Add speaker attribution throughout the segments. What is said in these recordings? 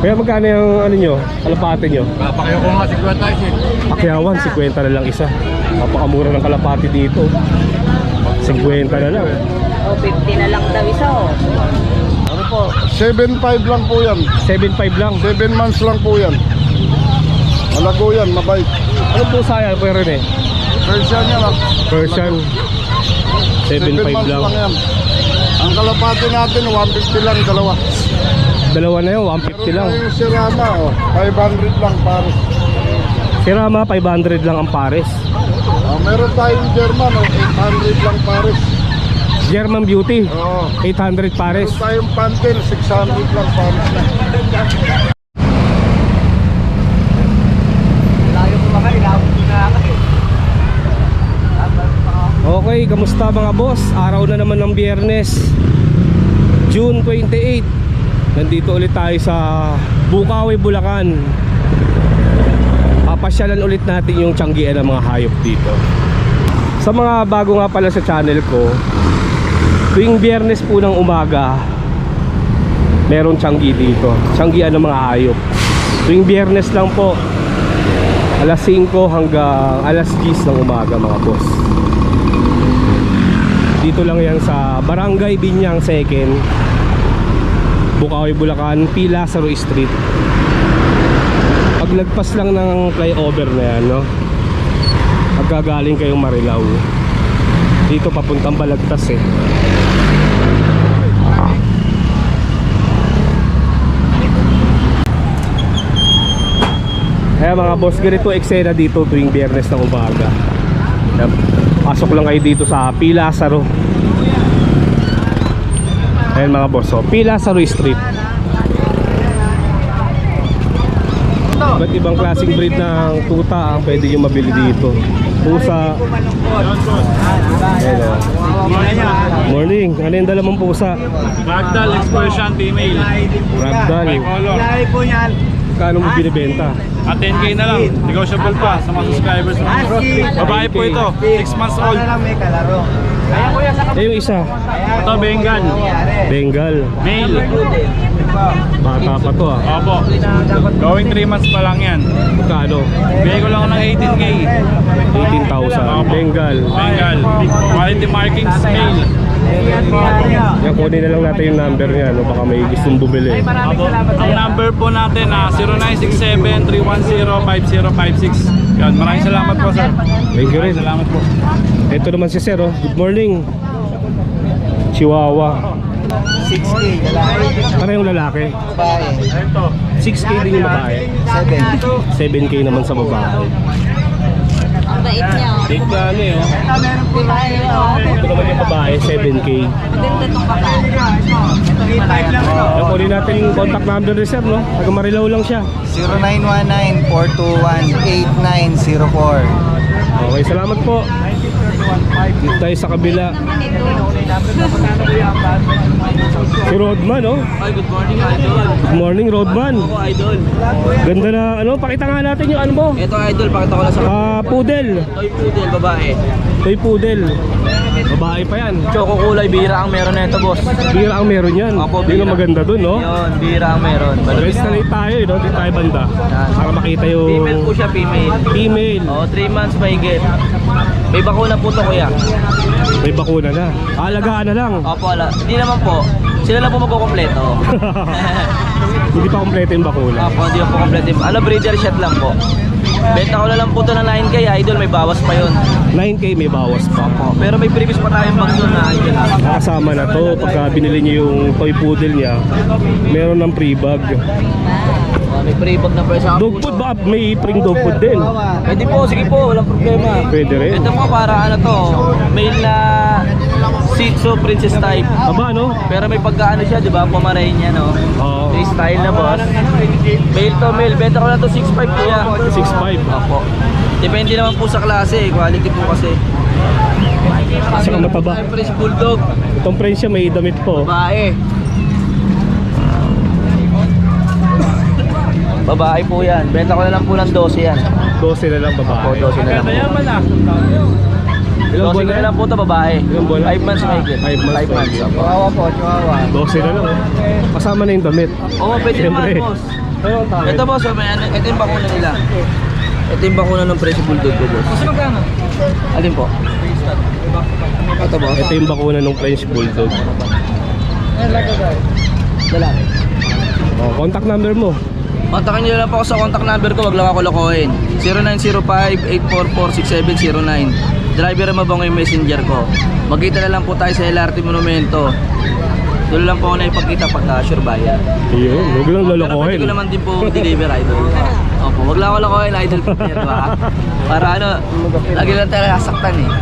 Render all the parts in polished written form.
Speaker 1: Kaya magkano yung ano nyo, kalapate nyo?
Speaker 2: Papakiyo ko nga 50 tayo eh.
Speaker 1: Pakyawan, 50 na lang isa. Napakamura ng kalapati dito. 50 na lang.
Speaker 3: O, 50 na lang daw isa, oh.
Speaker 2: Ano po? 7.5 lang po yan.
Speaker 1: 7.5 lang.
Speaker 2: 7 months lang po yan. Malago yan, mabait.
Speaker 1: Ano po saya po rin eh?
Speaker 2: Persian yan ah.
Speaker 1: Persian. 7.5
Speaker 2: months
Speaker 1: lang.
Speaker 2: yan. Ang kalapati natin 150 lang dalawa.
Speaker 1: Dalawa na yun, 150 lang.
Speaker 2: Yung Sirama oh, 500 lang pares.
Speaker 1: Sirama, 500 lang ang pares.
Speaker 2: Meron tayong German oh, 800 lang pares.
Speaker 1: German Beauty,
Speaker 2: Oh.
Speaker 1: 800 pares.
Speaker 2: Meron tayong Panther 600 lang pares na.
Speaker 1: Okay, kamusta mga boss? Araw na naman ng Biyernes, June 28. Nandito ulit tayo sa Bukawi, Bulacan. Papasyalan ulit natin yung tiyanggian ng mga hayop dito. Sa mga bago nga pala sa channel ko, tuwing Biyernes po ng umaga meron tiyanggi dito, tiyanggian ng mga hayop. Tuwing Biyernes lang po, alas 5 hanggang alas 10 ng umaga mga boss. Dito lang yan sa Barangay Binyang 2nd, Bukawi, Bulacan, P. Lazaro Street. Paglagpas lang ng flyover na yan, no? Pagkagaling kayong Marilao, dito papuntang Balagtas eh. Kaya mga boss, ganito eksena dito tuwing Biyernes ng umaga. Pasok lang kayo dito sa P. Lazaro. Ayan mga boss, so P. Lazaro Street. Iba't ibang klaseng breed ng tuta ang pwede nyo mabili dito. Pusa. Ayan o. Morning, ano yung dala mong pusa?
Speaker 4: Ragdoll Expression female.
Speaker 1: Ragdoll.
Speaker 4: Color.
Speaker 1: Kano mo binibenta?
Speaker 4: At 10k na lang. Negotiable pa sa mga subscribers natin. Babae po ito. 6 months old.
Speaker 1: Eh yung isa,
Speaker 4: Ito Bengal.
Speaker 1: Bengal.
Speaker 4: Male.
Speaker 1: Bata pa to ah.
Speaker 4: Opo. Going 3 months pa lang yan.
Speaker 1: Magkano?
Speaker 4: Bigay ko lang ako ng 18k.
Speaker 1: 18,000. Bengal.
Speaker 4: Bengal. Quality markings male.
Speaker 1: Yan, kunin na lang natin yung number niya, no? Baka may gustong bumili.
Speaker 4: Opo. Ang number po natin na 0967-310-5056. Yan. Maraming salamat po sir.
Speaker 1: Thank you rin.
Speaker 4: Salamat po.
Speaker 1: Ito naman si Sir, oh. Good morning. Chihuahua.
Speaker 2: 6K.
Speaker 1: Parehong lalaki.
Speaker 2: Babae.
Speaker 1: 6K din yung babae. 7K naman sa babae.
Speaker 3: Ang bait niya, oh.
Speaker 1: Date na ano eh, oh. Ito naman yung babae, 7K.
Speaker 3: Maganda tong babae.
Speaker 1: Yan, kunin natin yung contact number ni Sir, no? Taga Marilao lang siya.
Speaker 2: 0919-421-8904.
Speaker 1: Okay, salamat po. Dito tayo sa kabila. Si Rodman, oh.
Speaker 4: Hi, good morning idol.
Speaker 1: Good morning, Rodman.
Speaker 4: Ako idol.
Speaker 1: Ganda na, ano, pakita nga natin yung ano mo.
Speaker 4: Ito idol, pakita ko lang sa
Speaker 1: Poodle.
Speaker 4: toy poodle babae.
Speaker 1: Toy poodle. Babae pa yan.
Speaker 4: Choco kulay, bira ang meron na ito boss.
Speaker 1: Bira ang meron yan.
Speaker 4: Opo,
Speaker 1: Yun ang
Speaker 4: bira.
Speaker 1: maganda dun, no?
Speaker 4: Yun, bira ang meron.
Speaker 1: Guys, nalit tayo, no? Dito tayo banda. Para makita yung
Speaker 4: Female po siya, female.
Speaker 1: female.
Speaker 4: Oh, 3 months mahigit. May bakuna po to kuya.
Speaker 1: May bakuna na. Alagaan na lang.
Speaker 4: Opo, ala. Hindi naman po. Sila lang po magkukompleto.
Speaker 1: Hindi pa kompleto yung bakuna.
Speaker 4: Opo, hindi po kompleto. Ano, breeder shot lang po. Benta ko na lang po to na 9k idol, may bawas pa yun.
Speaker 1: 9K may bawas pa.
Speaker 4: Opo. Pero may previous pa tayong bag doon na idol.
Speaker 1: Nakasama na to. Pagka binili niyo yung toy poodle niya, meron ng free bag.
Speaker 4: May free bag na presyo.
Speaker 1: Dog food ba? May free dog food din.
Speaker 4: Pwede po, sige po, walang problema.
Speaker 1: Pwede rin.
Speaker 4: Ito po para ano to, male na Shih Tzu princess type.
Speaker 1: Aba, no?
Speaker 4: Pero may pagkaano siya, di ba? Pomeranian, no?
Speaker 1: Oo.
Speaker 4: May style na boss. Male to male, benta ko na to 6'5 kuya.
Speaker 1: 6'5.
Speaker 4: Opo. Depende naman po sa klase, quality po kasi.
Speaker 1: Saka mataba.
Speaker 4: French Bulldog,
Speaker 1: Itong French siya may damit po.
Speaker 4: babae. Babae po yan. Benta ko na lang po ng 12 yan.
Speaker 1: 12 na lang babae.
Speaker 4: Opo, 12 na lang po.
Speaker 1: Ilang
Speaker 4: 12
Speaker 1: buwan
Speaker 4: na
Speaker 1: na?
Speaker 4: lang po ito babae.
Speaker 1: Ilang buwan?
Speaker 4: 5 months mahigit.
Speaker 1: 5 months.
Speaker 4: 5 months. Opo.
Speaker 2: Chihuahua po, Chihuahua.
Speaker 1: 12 na lang. Kasama na yung damit.
Speaker 4: Oo, pwede naman
Speaker 1: Siyempre.
Speaker 4: boss.
Speaker 1: Ano ang tawag?
Speaker 4: Ito boss, may ano, ito yung bakuna nila. Ito yung bakuna ng French Bulldog ko boss. Kasi magkano? Alin po? Ito boss.
Speaker 1: Ito yung bakuna ng French Bulldog.
Speaker 4: Lalaki.
Speaker 1: Oh, contact number mo.
Speaker 4: Kontakin nyo lang po ako sa contact number ko, wag lang ako lokohin. 0905-844-6709. Driver Mabongo yung messenger ko. Magkita na lang po tayo sa LRT Monumento. Doon lang po ako na ipagkita pagka sure buyer.
Speaker 1: Yun, huwag lang
Speaker 4: Pero pwede
Speaker 1: lolokohin.
Speaker 4: ko naman din po deliver idol. Opo, wag lang ako lokohin idol po yan, diba? Para ano, lagi lang tayo nasaktan eh.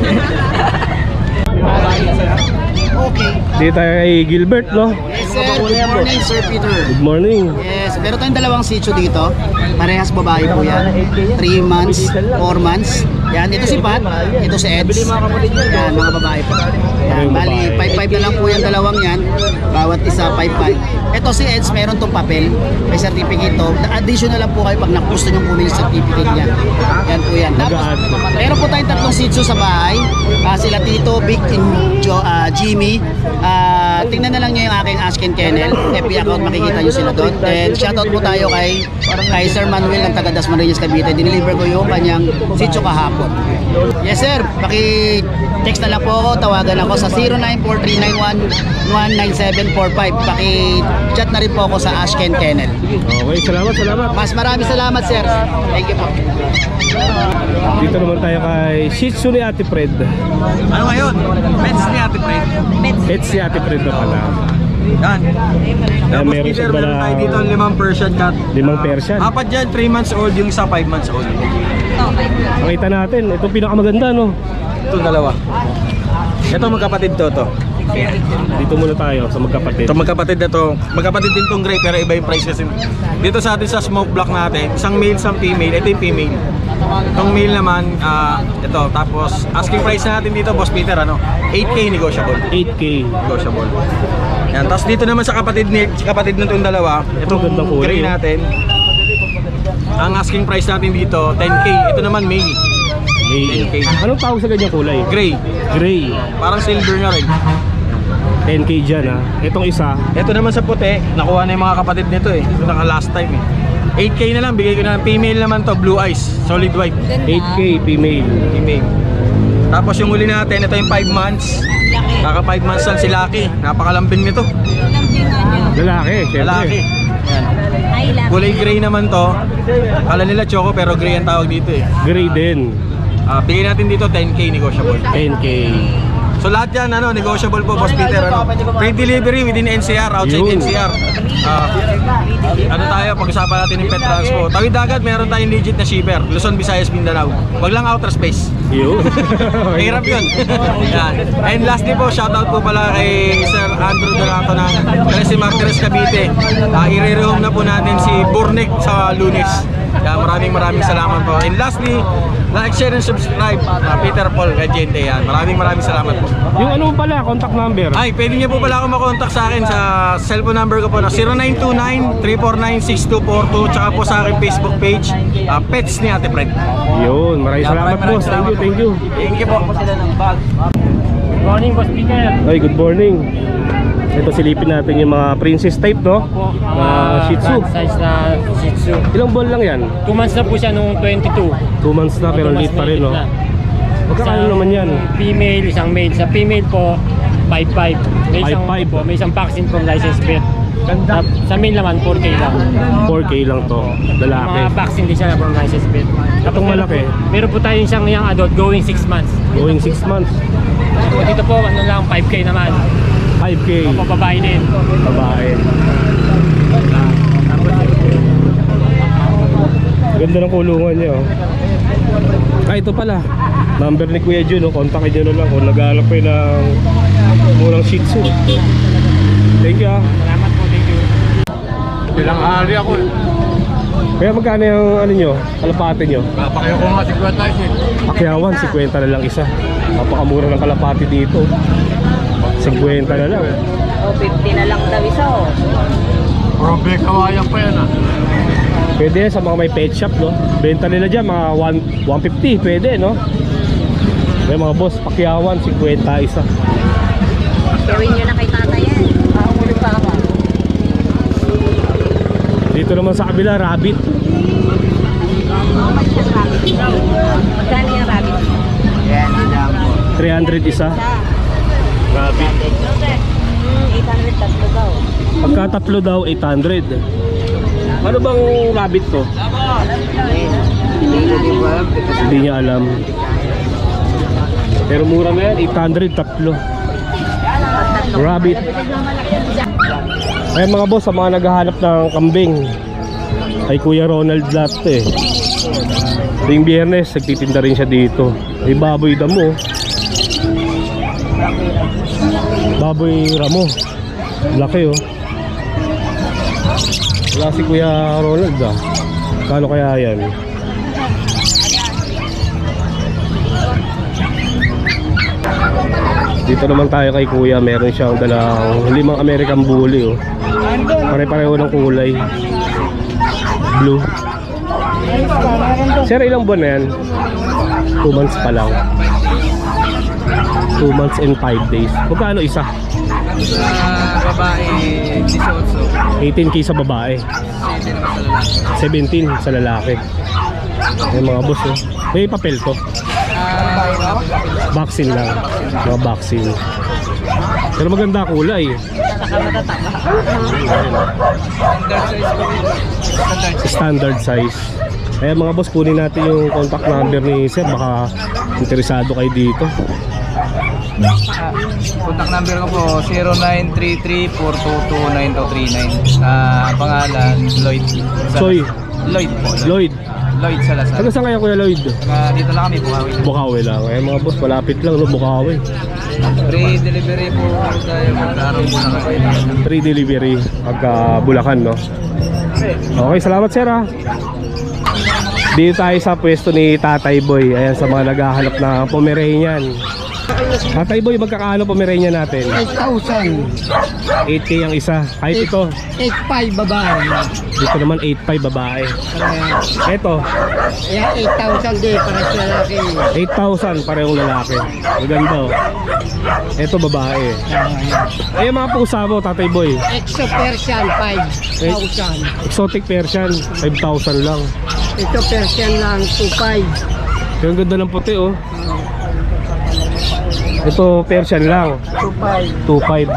Speaker 5: Okay.
Speaker 1: Dito tayo kay Gilbert, no?
Speaker 5: Yes, sir. Good morning, Sir Peter.
Speaker 1: Good morning.
Speaker 5: Yes, meron tayong dalawang sitio dito. Parehas babae po yan. 3 months, 4 months. Yan, ito si Pat, ito si Eds. Yan, mga babae po. Yan, bali, 5-5 na lang po yung dalawang yan. Bawat isa, 5-5. Ito si Eds, meron tong papel. May certificate to. Additional lang po kayo pag gusto nyo kunin yung certificate niya. Yan po yan. Tapos, meron po tayong tatlong sitio sa bahay. Sila Tito, Big, and Jimmy. Tingnan na lang nyo yung aking Ashken Kennel. FB account, makikita nyo sila doon. Then, shoutout po tayo kay Sir Manuel ng taga Dasmariñas, Cavite. Dineliver ko yung kanyang sitio kahapon. Yes sir, paki-text na lang po ako, tawagan ako sa 094391-19745. Paki-chat na rin po ako sa Ashken Kennel.
Speaker 1: Okay, salamat.
Speaker 5: Mas maraming salamat sir. Thank you po.
Speaker 1: Dito naman tayo kay Shih Tzu ni Ate Fred.
Speaker 6: Ano ngayon? Pets ni Ate Fred.
Speaker 1: Pets si Ate Fred na pala.
Speaker 6: Yan. Tapos
Speaker 1: meron
Speaker 6: Peter,
Speaker 1: siya
Speaker 6: meron tayo dito 5 Persian cat.
Speaker 1: 5 Persian.
Speaker 6: Apat dyan, 3 months old, yung isa 5 months old.
Speaker 1: Makita natin, ito pinakamaganda, no?
Speaker 6: Itong dalawa. Ito magkapatid to.
Speaker 1: Dito muna tayo sa magkapatid.
Speaker 6: Ito magkapatid na to. Magkapatid din tong gray pero iba yung price kasi. Dito sa atin sa smoke block natin, isang male, isang female. Ito yung female. Itong male naman, ito. Tapos asking price natin dito, Boss Peter, 8K negotiable.
Speaker 1: 8K.
Speaker 6: Negotiable. Yan. Tapos dito naman sa kapatid ng itong dalawa, itong
Speaker 1: Magandang kulay,
Speaker 6: gray natin. Ang asking price natin dito, 10K. Ito naman male.
Speaker 1: May,
Speaker 6: 10K.
Speaker 1: anong tawag sa ganyang kulay?
Speaker 6: Gray.
Speaker 1: Gray.
Speaker 6: Parang silver na rin.
Speaker 1: 10K dyan, ha? Itong isa,
Speaker 6: Ito naman sa puti, nakuha na yung mga kapatid nito eh. Ito naka last time eh. 8K na lang, bigay ko na lang. Female naman to, blue eyes, solid white.
Speaker 1: 8K female.
Speaker 6: Female. Tapos yung huli natin, ito yung 5 months. Kaka 5 months lang si Lucky. Napakalambing nito.
Speaker 1: Lalaki, syempre.
Speaker 6: Lalaki. Yan.
Speaker 3: Ay, love.
Speaker 6: Kulay gray naman to. Kala nila choco pero gray ang tawag dito eh.
Speaker 1: Gray din.
Speaker 6: Bigay natin dito 10K negotiable.
Speaker 1: 10K.
Speaker 6: So lahat yan, negotiable po, Boss Peter. Free delivery within NCR, outside
Speaker 1: Yun.
Speaker 6: NCR. Tayo, pag-usapan natin yung pet transpo. Tawid dagat, meron tayong legit na shipper. Luzon, Visayas, Mindanao. Wag lang outer space.
Speaker 1: Yun.
Speaker 6: Mahirap yun. Yan. And lastly po, shoutout po pala kay Sir Andrew Donato ng Trece Martires, Cavite. I-re-rehome na po natin si Burnick sa Lunes. Maraming salamat po. And lastly, like, share, and subscribe. Peter Paul, Gadiente yan. Maraming salamat po.
Speaker 1: Yung ano pala, contact number.
Speaker 6: Ay, pwede niyo po pala ako makontak sa akin sa cellphone number ko po na 0929-349-6242 tsaka po sa aking Facebook page, Pets ni Ate Fred.
Speaker 1: Yun, maraming salamat boss. Thank you.
Speaker 6: Thank you po.
Speaker 7: Good morning, Boss Peter.
Speaker 1: Ay, good morning. Ito silipin natin yung mga princess type, no? Na Shih Tzu.
Speaker 7: Size na Shih Tzu.
Speaker 1: Ilang buwan lang yan?
Speaker 7: 2 months na po siya nung 22.
Speaker 1: 2 months na pero late pa rin, no? Magkakano naman yan?
Speaker 7: Female, isang male. Sa female po, 5'5". May isang
Speaker 1: 5'5".
Speaker 7: po, may isang vaccine from licensed vet. Sa male naman, 4K lang.
Speaker 1: 4K lang to. Lalaki.
Speaker 7: Mga vaccine din siya from licensed vet.
Speaker 1: Itong malaki?
Speaker 7: Meron po tayong isang young adult going 6 months.
Speaker 1: Going 6 months.
Speaker 7: Dito po, ano lang, 5K naman.
Speaker 1: 5K.
Speaker 7: Papababae din.
Speaker 1: Babae. Ganda ng kulungan niya, oh. Ito pala. Number ni Kuya Jun, oh. Kontakin nyo na lang kung nag-aalap kayo ng murang Shih Tzu. Thank you, ah.
Speaker 7: Salamat po, thank you.
Speaker 2: Bilang hari ako eh.
Speaker 1: Kaya magkano yung ano nyo, kalapate nyo?
Speaker 2: Napakayo ko nga 50 tayo eh.
Speaker 1: Pakyawan, 50 na lang isa. Napakamura ng kalapate dito. 50 na lang.
Speaker 3: 50 na lang daw isa, oh.
Speaker 2: Probe kawayan pa yan ah.
Speaker 1: Pwede yan sa mga may pet shop, no? Benta nila dyan, mga 150, pwede, no? Kaya mga boss, pakyawan, 50 isa.
Speaker 3: Gawin nyo na kay tata yan.
Speaker 1: Dito naman sa kabila, rabbit.
Speaker 3: Magkano yung rabbit?
Speaker 1: 300 isa. Rabbit.
Speaker 3: 800 tatlo daw.
Speaker 1: Pagka tatlo daw, 800. Ano bang rabbit to? Hindi niya alam. Pero mura na yan, 800 tatlo. Rabbit. Ayan mga boss, sa mga naghahanap ng kambing, ay Kuya Ronald lahat eh. Tuwing Biyernes, nagtitinda rin siya dito. May baboy damo. Baboy ramo. Laki oh. Wala si Kuya Ronald ah. Kano kaya yan? Dito naman tayo kay Kuya. Meron siyang dalang 5 American Bully oh. Pare-pareho ng kulay. Blue. Sir, ilang buwan na yan? 2 months pa lang. 2 months and 5 days. Magkano isa?
Speaker 4: Babae, 18.
Speaker 1: 18K sa babae, 17 sa lalaki. May mga boss oh. May papel to. Vaccine lang. Mga vaccine. Pero maganda kulay. Standard size. Kaya mga boss, kunin natin yung contact number ni Sir. Baka interesado kayo dito.
Speaker 4: Contact number ko po 0933-422-9239. Pangalan Lloyd.
Speaker 1: Soy.
Speaker 4: Lloyd po.
Speaker 1: Lloyd.
Speaker 4: Lloyd Salazar.
Speaker 1: Taga saan kaya Kuya Lloyd?
Speaker 4: Dito lang kami, Bukawi.
Speaker 1: Bukawi lang. Kaya mga boss, malapit lang no, Bukawi.
Speaker 4: Free delivery po tayo magkaroon po na kayo.
Speaker 1: Free delivery pagka Bulacan no. Okay, salamat sir ha. Dito tayo sa pwesto ni Tatay Boy. Ayan, sa mga naghahanap na Pomeranian. Tatay Boy, magkakaano Pomeranian natin?
Speaker 5: 8,000.
Speaker 1: 8K ang isa. Kahit ito,
Speaker 5: 8,500 babae.
Speaker 1: dito naman 8.5 babae. Ito,
Speaker 5: Kaya 8,000 din para sa lalaki.
Speaker 1: 8,000 parehong lalaki. Maganda oh. Ito babae. Ayun mga pusa mo, Tatay Boy.
Speaker 5: Exo Persian 5,000.
Speaker 1: Exotic Persian, 5,000 lang.
Speaker 5: Ito Persian lang 2,500.
Speaker 1: Yung ganda ng puti oh. Ito Persian lang, 2.5.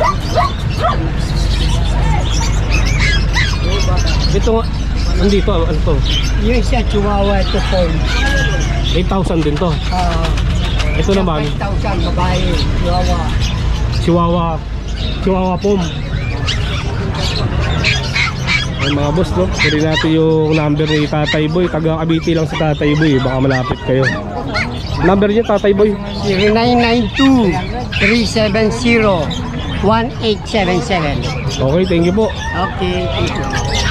Speaker 1: Ito nandito ano to?
Speaker 5: Yung isa Chihuahua ito po.
Speaker 1: 8,000 din to. Ito naman
Speaker 5: 5,000 babae. Chihuahua.
Speaker 1: Chihuahua Pom. Ay mga boss no, pwede natin yung number ni Tatay Boy. Taga Cavite lang si Tatay Boy, baka malapit kayo. Number niya Tatay Boy?
Speaker 5: 0992-370-1877.
Speaker 1: Okay, thank you po.
Speaker 5: Okay, thank you.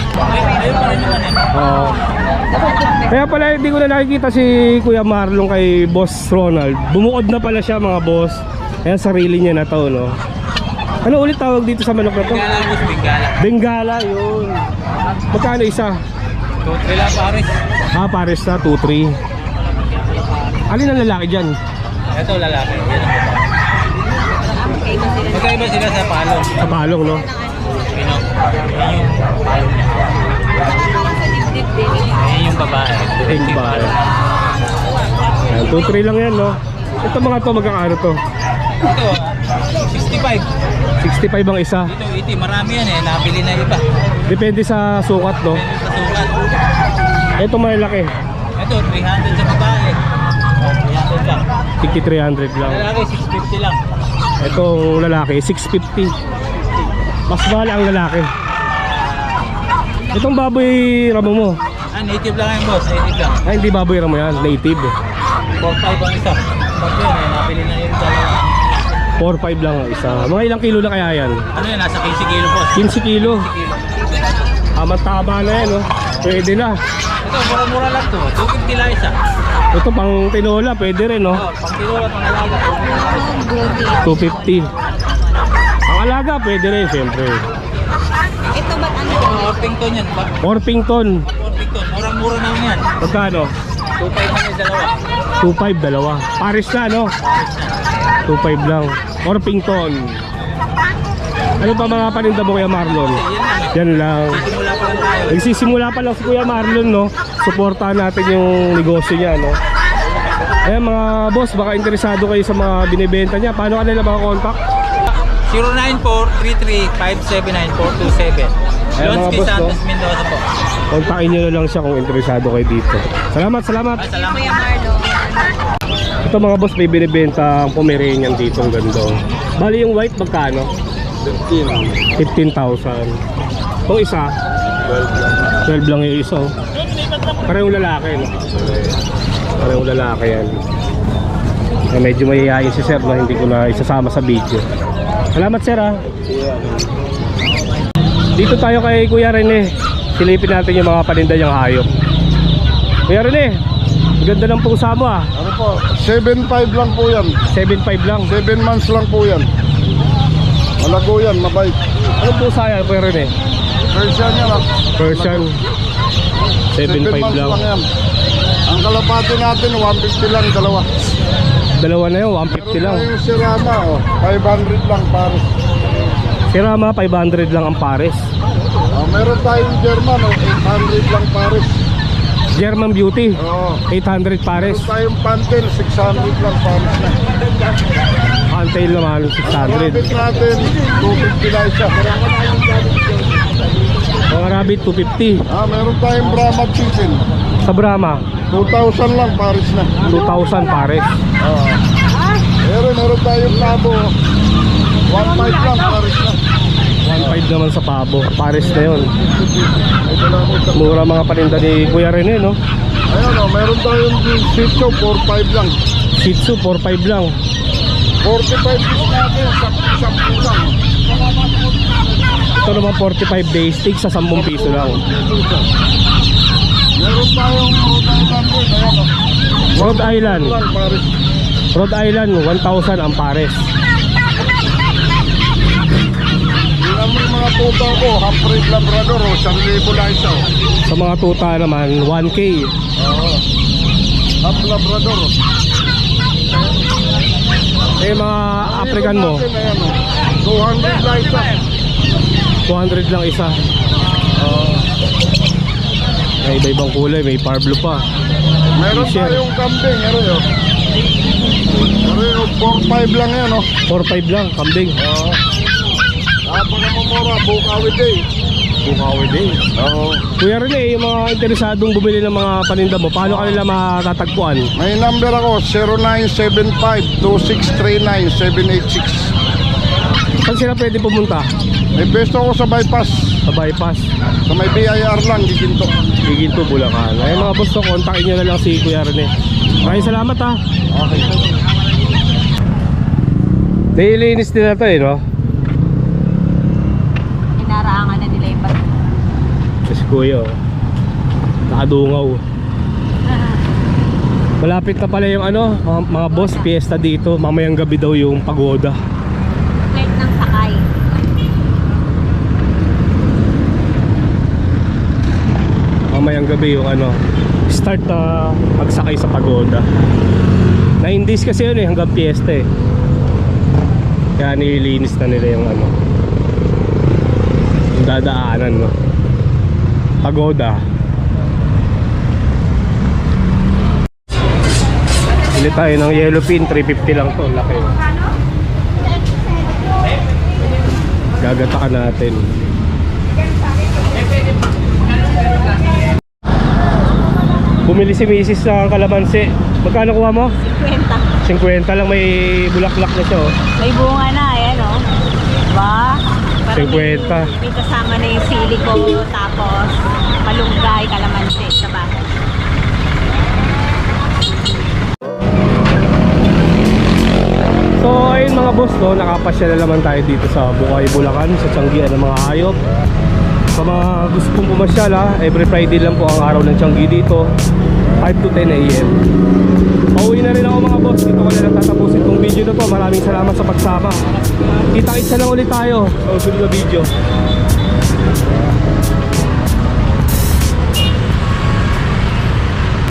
Speaker 1: Kaya pala hindi ko na nakikita si Kuya Marlon kay Boss Ronald. Bumukod na pala siya mga boss. Kaya sarili niya na to no. Ano ulit tawag dito sa manok na to? Bengala, yun. Magkano isa?
Speaker 4: 2-3 lang pares.
Speaker 1: Pares na, 2-3. Alin ang lalaki dyan?
Speaker 4: Ito lalaki. Magkaiba sila sa palong.
Speaker 1: Sa palong, no?
Speaker 4: Ayun yung babae.
Speaker 1: Yung babae. 2-3 lang yan, no? Ito mga to, magkakaano to?
Speaker 4: Ito, 65.
Speaker 1: 65 ang isa.
Speaker 4: Dito, iti, marami yan eh. Nabili na iba.
Speaker 1: Depende sa sukat, no?
Speaker 4: Sa sukat.
Speaker 1: Ito malaki.
Speaker 4: Ito, 300 sa babae. 300 lang.
Speaker 1: 300 lang.
Speaker 4: Lalaki, 650 lang.
Speaker 1: Itong lalaki, 650. Mas mahal ang lalaki. Itong baboy ramo mo.
Speaker 4: Native lang yan boss, native lang.
Speaker 1: Ay, hindi baboy ramo yan, native.
Speaker 4: 4-5 ang isa. Pag yun eh, nabili na yung dalawa.
Speaker 1: 4-5 lang ang isa. Mga ilang kilo na kaya yan?
Speaker 4: Ano yan, nasa 15 kilo boss.
Speaker 1: 15 kilo.
Speaker 4: 15 kilo.
Speaker 1: Tama na yan, no? Pwede na.
Speaker 4: Ito, mura-mura lang to. 250 lang isa.
Speaker 1: Ito pang tinola, pwede rin, no?
Speaker 4: Pang tinola, pang alaga.
Speaker 1: 250. Ang alaga, pwede rin, siyempre.
Speaker 3: Ito ba't ano?
Speaker 4: Orpington yan.
Speaker 1: Orpington.
Speaker 4: Orpington, mura-mura na yan.
Speaker 1: Magkano?
Speaker 4: 2.5 na yung dalawa.
Speaker 1: 2.5, dalawa. Paris na, no? 2.5 lang. Orpington. Ano pa mga paninda mo Kuya Marlon? Yan lang.
Speaker 4: Simula pa
Speaker 6: pa lang tayo.
Speaker 1: Nagsisimula pa lang si Kuya Marlon, no? Suportahan natin yung negosyo niya, no? Ayan mga boss, baka interesado kayo sa mga binibenta niya. Paano ka nila makakontakt?
Speaker 6: 09433579
Speaker 1: Ayan, mga
Speaker 6: Lonsky
Speaker 1: boss,
Speaker 6: Santos
Speaker 1: no?
Speaker 6: Mendoza po.
Speaker 1: Kontakin nyo na lang siya kung interesado kayo dito. Salamat, salamat.
Speaker 6: Salamat.
Speaker 3: Kuya Marlo.
Speaker 1: Ito mga boss, may binibenta ang Pomeranian dito, ang ganda. Bali yung white magkano? 15,000. Itong isa 12 lang yung isa, oh. Parehong lalaki, no? Parehong lalaki yan. Medyo mahihayin si sir, no? Hindi ko na isasama sa video. Salamat sir, ha. Dito tayo kay Kuya Rene. Silipin natin yung mga paninda niyang hayop. Kuya Rene, ang ganda ng pusa mo, ah.
Speaker 2: Ano po? 7.5 lang po yan.
Speaker 1: 7.5 lang.
Speaker 2: 7 months lang po yan. Malago yan, mabait.
Speaker 1: Anong pusa yan, Kuya Rene?
Speaker 2: Persian yan ah.
Speaker 1: Persian. 7.5
Speaker 2: months
Speaker 1: lang.
Speaker 2: yan. Ang kalapati natin, 150 lang, dalawa.
Speaker 1: Dalawa na yun, 150
Speaker 2: Meron
Speaker 1: lang.
Speaker 2: tayong Sirama, oh, 500 lang pares.
Speaker 1: Si Rama, 500 lang ang pares.
Speaker 2: Meron tayong German, oh, 800 lang pares.
Speaker 1: German Beauty,
Speaker 2: Oh.
Speaker 1: 800 pares.
Speaker 2: Meron tayong Pantel, 600 lang pares na.
Speaker 1: Antail naman,
Speaker 2: Rabbit
Speaker 1: 600.
Speaker 2: natin, 250 lang isa.
Speaker 1: Mga rabbit, 250.
Speaker 2: Meron tayong Brahma Chicken,
Speaker 1: Sa Brahma,
Speaker 2: 2,000 lang pares na.
Speaker 1: 2,000 pares.
Speaker 2: Meron tayong Labo, 1,500 lang pares na.
Speaker 1: 1.5 naman sa pabo. Pares na yun. Mura mga paninda ni Kuya Rene, no?
Speaker 2: Ayan o, meron tayong Shih Tzu, 4,500 lang.
Speaker 1: Shih Tzu, 4.5 lang.
Speaker 2: 45 piece natin, 10 lang.
Speaker 1: Ito naman 45 day stick sa 10 piso lang.
Speaker 2: Meron tayong Rhode Island,
Speaker 1: Rhode Island.
Speaker 2: ayan o. Lang pares.
Speaker 1: Rhode Island, 1,000 ang pares.
Speaker 2: Tingnan mo yung mga tuta ko, half-breed Labrador o, 1,000 lang isa o.
Speaker 1: Sa mga tuta naman, 1K.
Speaker 2: Half Labrador o.
Speaker 1: Eh mga African mo,
Speaker 2: Natin, ayan o, 200 lang isa.
Speaker 1: 200 lang isa. May iba-ibang kulay, may blue pa.
Speaker 2: Meron
Speaker 1: Share.
Speaker 2: tayong kambing, meron o. Meron o, 4,500 lang yan o.
Speaker 1: 4.5 lang, kambing.
Speaker 2: Napaka-mamura, Bukawi Day.
Speaker 1: Bukawi din.
Speaker 2: Oo.
Speaker 1: Kuya Rene, yung mga interesadong bumili ng mga paninda mo, paano kanila matatagpuan?
Speaker 2: May number ako, 0975-2639-786.
Speaker 1: Saan sila pwede pumunta?
Speaker 2: May pesto ako sa bypass.
Speaker 1: Sa bypass,
Speaker 2: Sa may BIR lang, giginto.
Speaker 1: Giginto, Bulacan. Ay mga boss, kontakin nyo na lang si Kuya Rene. Maraming salamat, ha.
Speaker 2: Okay.
Speaker 1: Nailinis nila to, no?
Speaker 3: Inaraangan na nila yung bato.
Speaker 1: Kasi Kuya, oh. Nakadungaw. Malapit na pala yung ano, mga boss, fiesta dito. Mamayang gabi daw yung pagoda.
Speaker 3: Flight ng sakay.
Speaker 1: Mamayang gabi yung ano, start na magsakay sa pagoda. 9 days kasi yun eh, hanggang fiesta eh. Kaya nililinis na nila yung ano, yung dadaanan, no? Pagoda. Bili tayo ng yellow pin, 350 lang to, laki. Gagatakan natin. Bumili si Mrs. ng kalamansi. Magkano kuha mo?
Speaker 3: 50.
Speaker 1: 50 lang, may bulaklak na siya, oh.
Speaker 3: May bunga na, ayan o. Diba? Parang
Speaker 1: 50.
Speaker 3: May kasama na yung sili ko, tapos malunggay, kalamansi, diba?
Speaker 1: So ayun mga boss, no, nakapasya na naman tayo dito sa Bukay, Bulacan, sa Tianggian ng mga hayop. Sa mga gusto pong pumasyal, every Friday lang po ang araw ng Tianggi dito, 5 to 10 AM. Pauwi na rin ako mga boss, dito ko na lang tatapusin itong video na to. Maraming salamat sa pagsama. Kita-kitsa lang ulit tayo sa susunod na video.